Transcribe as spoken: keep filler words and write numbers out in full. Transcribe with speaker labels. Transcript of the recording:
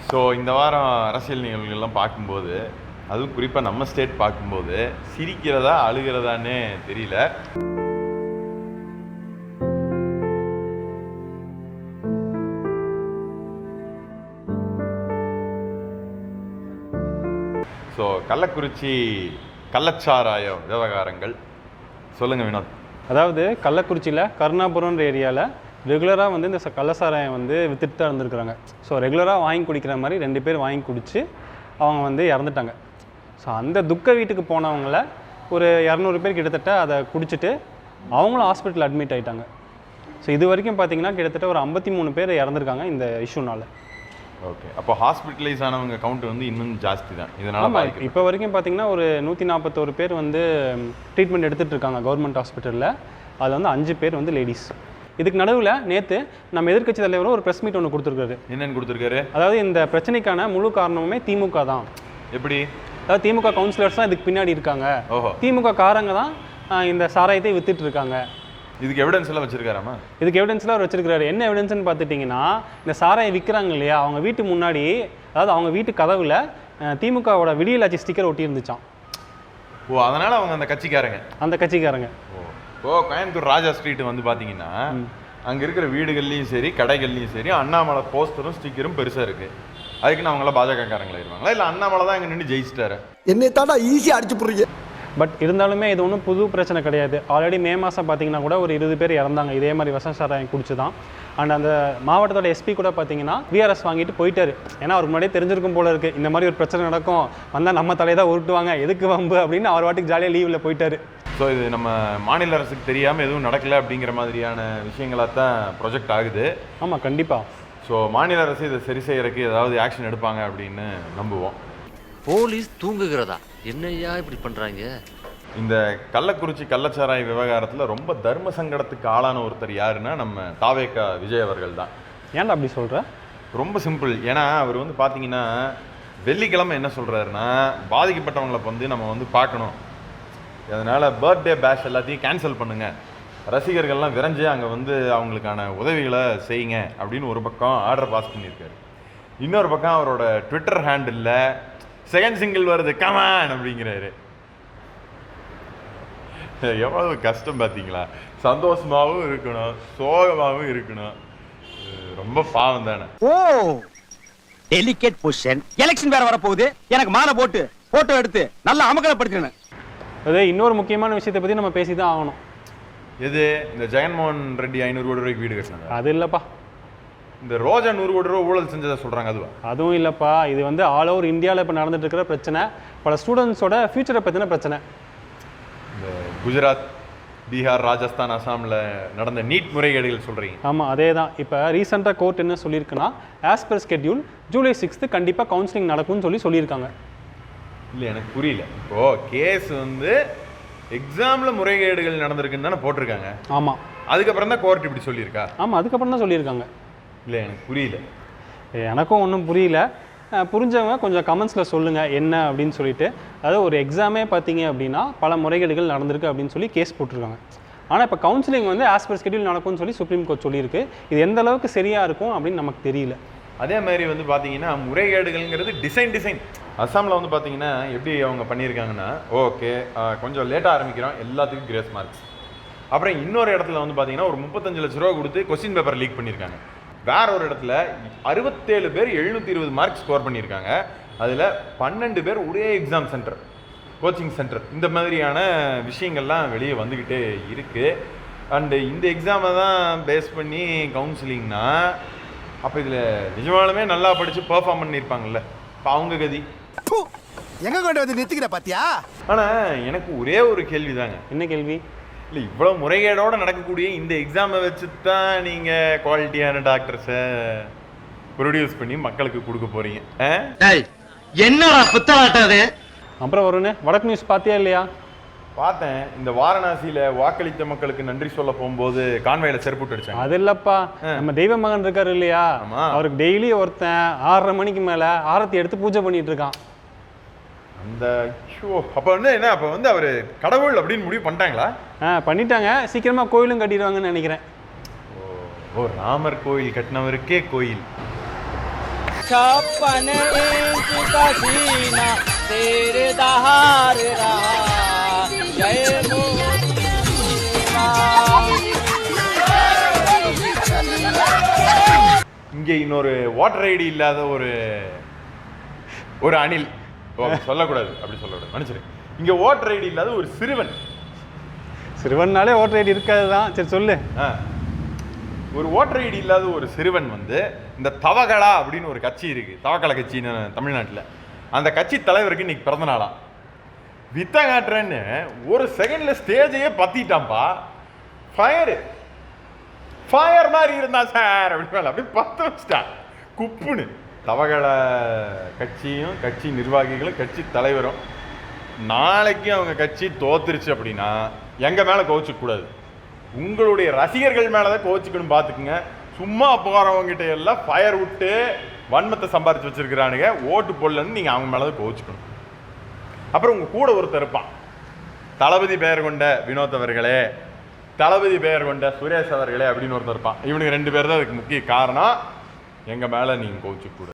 Speaker 1: So இந்த வாரம் அரசியல் நிகழ்வுகள்லாம் பார்க்கும்போது, அதுவும் குறிப்பாக நம்ம ஸ்டேட் பார்க்கும்போது சிரிக்கிறதா அழுகிறதான்னு தெரியல. ஸோ கள்ளக்குறிச்சி கள்ளச்சாராய விவகாரங்கள் சொல்லுங்கள் வினோத்.
Speaker 2: அதாவது கள்ளக்குறிச்சியில் கருணாபுரம்ன்ற ஏரியாவில் ரெகுலராக வந்து இந்த கள்ளச்சாராயம் வந்து வித்துட்டு தான் இருந்திருக்கிறாங்க. ஸோ ரெகுலராக வாங்கி குடிக்கிற மாதிரி ரெண்டு பேர் வாங்கி குடித்து அவங்க வந்து இறந்துட்டாங்க. ஸோ அந்த துக்க வீட்டுக்கு போனவங்கள ஒரு இரநூறு பேர் கிட்டத்தட்ட அதை குடிச்சிட்டு அவங்களும் ஹாஸ்பிட்டல் அட்மிட் ஆகிட்டாங்க. ஸோ இது வரைக்கும் பார்த்தீங்கன்னா கிட்டத்தட்ட ஒரு ஐம்பத்தி மூணு பேர் இறந்துருக்காங்க இந்த இஷ்யூனால்.
Speaker 1: ஓகே, அப்போ ஹாஸ்பிட்டலைஸ் ஆனவங்க கவுண்ட் வந்து இன்னும் ஜாஸ்தி தான் இதனால்.
Speaker 2: இப்போ வரைக்கும் பார்த்தீங்கன்னா ஒரு நூற்றி நாற்பத்தோரு பேர் வந்து ட்ரீட்மெண்ட் எடுத்துகிட்டு இருக்காங்க கவர்மெண்ட் ஹாஸ்பிட்டலில். அதில் வந்து அஞ்சு பேர் வந்து லேடிஸ். இதுக்கு நடுவில் நேற்று நம்ம எதிர்க்கட்சி தலைவரும் ஒரு ப்ரெஸ் மீட் ஒன்று கொடுத்துருக்காரு.
Speaker 1: என்னென்னு கொடுத்துருக்காரு?
Speaker 2: அதாவது இந்த பிரச்சனைக்கான முழு காரணமுமே திமுக தான்.
Speaker 1: எப்படி?
Speaker 2: அதாவது திமுக கவுன்சிலர்ஸ் தான் இதுக்கு பின்னாடி இருக்காங்க.
Speaker 1: ஓஹோ,
Speaker 2: திமுக காரங்க தான் இந்த சாராயத்தை வித்துட்டு இருக்காங்க.
Speaker 1: இதுக்கு எவிடன்ஸ் எல்லாம் வச்சிருக்காராமா?
Speaker 2: இதுக்கு எவிடன்ஸ்லாம் அவர் வச்சிருக்காரு. என்ன எவிடன்ஸ்னு பார்த்துட்டிங்கன்னா, இந்த சாராயம் விற்கிறாங்க இல்லையா, அவங்க வீட்டு முன்னாடி, அதாவது அவங்க வீட்டு கதவுல திமுகவோட விடியலாட்சி ஸ்டிக்கர் ஒட்டி இருந்துச்சான்.
Speaker 1: ஓ, அதனால அவங்க அந்த கட்சிக்காரங்க
Speaker 2: அந்த கட்சிக்காரங்க
Speaker 1: ஓ ஓ கோயம்புத்தூர் ராஜா ஸ்ட்ரீட் வந்து பார்த்தீங்கன்னா அங்கே இருக்கிற வீடுகள்லையும் சரி கடைகள்லையும் சரி அண்ணாமலை போஸ்டரும் ஸ்டிக்கரும் பெருசாக இருக்குது. அதுக்குன்னு அவங்களாம் பாஜகக்காரங்களா இருவாங்களா? இல்லை அண்ணாமலை தான் இங்கே நின்று ஜெயிச்சிட்டாரு?
Speaker 3: என்னை தாண்டா ஈஸியாக அடிச்சு போடுறீங்க.
Speaker 2: பட் இருந்தாலுமே இது ஒன்றும் புது பிரச்சனை கிடையாது. ஆல்ரெடி மே மாதம் பார்த்தீங்கன்னா கூட ஒரு இருபது பேர் இறந்தாங்க இதே மாதிரி விஷ சாராயம் குடிச்சு தான். அண்ட் அந்த மாவட்டத்தோட எஸ்பி கூட பார்த்தீங்கன்னா விஆர்எஸ் வாங்கிட்டு போயிட்டாரு. ஏன்னா அவருக்கு முன்னாடியே தெரிஞ்சிருக்கும் போல இருக்குது, இந்த மாதிரி ஒரு பிரச்சனை நடக்கும், வந்தால் நம்ம தலையை தான் உருட்டுவாங்க, எதுக்கு வம்பு அப்படின்னு அவர் வாட்டுக்கு ஜாலியாக லீவில் போயிட்டாரு.
Speaker 1: ஸோ இது நம்ம மாநில அரசுக்கு தெரியாமல் எதுவும் நடக்கலை அப்படிங்கிற மாதிரியான விஷயங்களாக தான் ப்ரொஜெக்ட் ஆகுது.
Speaker 2: ஆமாம், கண்டிப்பாக.
Speaker 1: ஸோ மாநில அரசு இதை சரி செய்யறதுக்கு ஏதாவது ஆக்ஷன் எடுப்பாங்க அப்படின்னு நம்புவோம்.
Speaker 4: போலீஸ் தூங்குகிறதா? என்னையா இப்படி பண்றாங்க?
Speaker 1: இந்த கள்ளக்குறிச்சி கள்ளச்சாராய விவகாரத்தில் ரொம்ப தர்ம சங்கடத்துக்கு ஆளான ஒருத்தர் யாருன்னா நம்ம தாவேகா விஜய் அவர்கள் தான்.
Speaker 2: ஏன்டா அப்படி சொல்கிற?
Speaker 1: ரொம்ப சிம்பிள். ஏன்னா அவர் வந்து பார்த்தீங்கன்னா வெள்ளிக்கிழமை என்ன சொல்கிறாருன்னா, பாதிக்கப்பட்டவங்களை வந்து நம்ம வந்து பார்க்கணும், அதனால் பர்த்டே பேஷ் எல்லாத்தையும் கேன்சல் பண்ணுங்கள், ரசிகர்கள்லாம் விரைஞ்சு அங்கே வந்து அவங்களுக்கான உதவிகளை செய்யுங்க அப்படின்னு ஒரு பக்கம் ஆர்டர் பாஸ் பண்ணியிருக்காரு. இன்னொரு பக்கம் அவரோட ட்விட்டர் ஹேண்டில் செகண்ட் சிங்கிள் வருது கமான் அப்படிங்கிறாரு. எவ்வளவு கஷ்டம் பார்த்தீங்களா? சந்தோஷமாகவும் இருக்கணும், சோகமாகவும் இருக்கணும். ரொம்ப பாவம் தானே.
Speaker 3: ஓ, டெலிகேட் பொசிஷன். எலெக்ஷன் வேற வர போகுது, எனக்கு மாலை போட்டு போட்டோ எடுத்து நல்லா அமகலப்படுத்தணும்.
Speaker 2: அதே இன்னொரு முக்கியமான விஷயத்தை பற்றி நம்ம பேசி தான் ஆகணும்.
Speaker 1: எது? இந்த ஜெகன்மோகன் ரெட்டி ஐநூறு கோடி ரூபாய்க்கு வீடு கட்டினாங்க.
Speaker 2: அது இல்லைப்பா.
Speaker 1: இந்த ரோஜா நூறு கோடி ரூபா ஊழல் செஞ்சதை சொல்கிறாங்க, அதுவா?
Speaker 2: அதுவும் இல்லைப்பா. இது வந்து ஆல் ஓவர் இந்தியாவில் இப்போ நடந்துட்டு இருக்கிற பிரச்சனை, பல ஸ்டூடெண்ட்ஸோட ஃபியூச்சரை பற்றின பிரச்சனை.
Speaker 1: இந்த குஜராத், பீகார், ராஜஸ்தான், அசாமில் நடந்த நீட் முறைகேடுகள் சொல்கிறீங்க?
Speaker 2: ஆமாம், அதே தான். இப்போ ரீசெண்டாக கோர்ட் என்ன சொல்லியிருக்குன்னா, as per schedule July sixth கண்டிப்பாக கவுன்சிலிங் நடக்கும்னு சொல்லி சொல்லியிருக்காங்க.
Speaker 1: இல்லை, எனக்கு புரியல. இப்போது கேஸ் வந்து எக்ஸாமில் முறைகேடுகள் நடந்திருக்குன்னு தானே போட்டிருக்காங்க.
Speaker 2: ஆமாம்,
Speaker 1: அதுக்கப்புறம் தான் கோர்ட் இப்படி சொல்லியிருக்கா?
Speaker 2: ஆமாம், அதுக்கப்புறம் தான் சொல்லியிருக்காங்க.
Speaker 1: இல்லை, எனக்கு புரியல.
Speaker 2: எனக்கும் ஒன்றும் புரியல. புரிஞ்சவங்க கொஞ்சம் கமெண்ட்ஸில் சொல்லுங்கள் என்ன அப்படின்னு சொல்லிட்டு. அதாவது ஒரு எக்ஸாமே பார்த்தீங்க அப்படின்னா பல முறைகேடுகள் நடந்திருக்கு அப்படின்னு சொல்லி கேஸ் போட்டிருக்காங்க. ஆனால் இப்போ கவுன்சிலிங் வந்து ஆஸ் பர் ஸ்கெட்யூல் நடக்கும்னு சொல்லி சுப்ரீம் கோர்ட் சொல்லியிருக்கு. இது எந்த அளவுக்கு சரியாக இருக்கும் அப்படின்னு நமக்கு தெரியல.
Speaker 1: அதே மாதிரி வந்து பார்த்தீங்கன்னா முறைகேடுகள்ங்கிறது டிசைன் டிசைன் அசாமில் வந்து பார்த்தீங்கன்னா எப்படி அவங்க பண்ணியிருக்காங்கன்னா, ஓகே கொஞ்சம் லேட்டாக ஆரம்பிக்கிறோம், எல்லாத்துக்கும் கிரேஸ் மார்க்ஸ். அப்புறம் இன்னொரு இடத்துல வந்து பார்த்தீங்கன்னா ஒரு முப்பத்தஞ்சு லட்ச ரூபா கொடுத்து கொஸ்டின் பேப்பர் லீக் பண்ணியிருக்காங்க. வேற ஒரு இடத்துல அறுபத்தேழு பேர் எழுநூற்றி இருபது மார்க் ஸ்கோர் பண்ணியிருக்காங்க. அதில் பன்னெண்டு பேர் ஒரே எக்ஸாம் சென்டர், கோச்சிங் சென்டர். இந்த மாதிரியான விஷயங்கள்லாம் வெளியே வந்துக்கிட்டே இருக்குது. அண்டு இந்த எக்ஸாமை தான் பேஸ் பண்ணி கவுன்சிலிங்னா, அப்போ இதில் நிஜமாலுமே நல்லா படித்து பர்ஃபார்ம் பண்ணியிருப்பாங்கல்ல, இப்போ அவங்க கதி
Speaker 3: எங்கே கொண்டு வந்து நிறுத்திக்கிற பாத்தியா?
Speaker 1: ஆனால் எனக்கு ஒரே ஒரு கேள்வி தாங்க.
Speaker 2: என்ன கேள்வி?
Speaker 1: இல்லை, இவ்வளோ முறைகேடோடு நடக்கக்கூடிய இந்த எக்ஸாமை வச்சு தான் நீங்கள் குவாலிட்டியான டாக்டர்ஸை ப்ரொடியூஸ் பண்ணி மக்களுக்கு கொடுக்க போகிறீங்க.
Speaker 3: என்னடா புத்தலாட்டாது?
Speaker 2: அப்புறம் வரும்னு வடக்கு நியூஸ் பார்த்தியா இல்லையா?
Speaker 1: பார்த்தேன். இந்த வாரணாசியில் வாக்களித்த மக்களுக்கு நன்றி சொல்ல போகும்போது கான்வாயில் செருப்பு அடிச்சாங்க.
Speaker 2: அது இல்லைப்பா, நம்ம தெய்வ மகன் இருக்காரு இல்லையா, அவருக்கு டெய்லி ஒருத்தன் ஆறரை மணிக்கு மேலே ஆரத்தி எடுத்து பூஜை பண்ணிட்டு இருக்கான்.
Speaker 1: அந்த ஷோ அப்போ வந்து என்ன, அப்போ வந்து அவர் கடவுள் அப்படின்னு முடிவு பண்ணிட்டாங்களா?
Speaker 2: ஆ, பண்ணிட்டாங்க. சீக்கிரமாக கோயிலும் கட்டிடுவாங்கன்னு நினைக்கிறேன்.
Speaker 1: ஓ, ராமர் கோயில் கட்டினவருக்கே கோயில்.
Speaker 5: छप्पन इंच का सीना तेरे दहार रहा जय
Speaker 1: இங்கே இன்னொரு வாட்டர் ஐடி இல்லாத ஒரு ஒரு அணில் ஓ, சொல்லக்கூடாது அப்படி சொல்லக்கூடாது மனுஷரு இங்கே வாட்டர் ஐடி இல்லாத ஒரு சிறுவன்
Speaker 2: சிறுவன்னாலே ஓட்டர் ஐடி இருக்காது தான். சரி சொல்லு.
Speaker 1: ஆ. ஒரு ஓட்டர் ஐடி இல்லாத ஒரு சிறுவன் வந்து இந்த தவகளா அப்படின்னு ஒரு கட்சி இருக்கு, தவக்கலை கட்சின்னு தமிழ்நாட்டில். அந்த கட்சி தலைவருக்கு இன்னைக்கு பிறந்த நாளா. வித்த காட்டுறேன்னு ஒரு செகண்ட்ல ஸ்டேஜையே பத்திட்டான்பா. ஃபயர் ஃபயர் மாதிரி இருந்தா சார் அப்படி அப்படி பத்த வச்சிட்டான் குப்புன்னு. தவகள கட்சியும் கட்சி நிர்வாகிகளும் கட்சி தலைவரும் நாளைக்கு அவங்க கட்சி தோத்துருச்சு அப்படின்னா எங்க மேல கோவிச்சுக்க கூடாது, உங்களுடைய ரசிகர்கள் மேலதான் கோவிச்சுக்கணும். பார்த்துக்குங்க. சும்மா போறவங்கிட்ட எல்லாம் ஃபயர் விட்டு வன்மத்தை சம்பாரிச்சு வச்சிருக்கிறானுங்க, ஓட்டு போடலன்னு நீங்க அவங்க மேலதான் கோவிச்சுக்கணும். அப்புறம் உங்க கூட ஒருத்தர் இருப்பான், தளபதி பெயர் கொண்ட வினோத் அவர்களே, தளபதி பெயர் கொண்ட சுரேஷ் அவர்களே அப்படின்னு ஒருத்தர் இருப்பான். இவனுக்கு ரெண்டு பேர் தான் அதுக்கு முக்கிய காரணம். எங்க மேல நீங்க கோவிச்சுக்க கூடாது.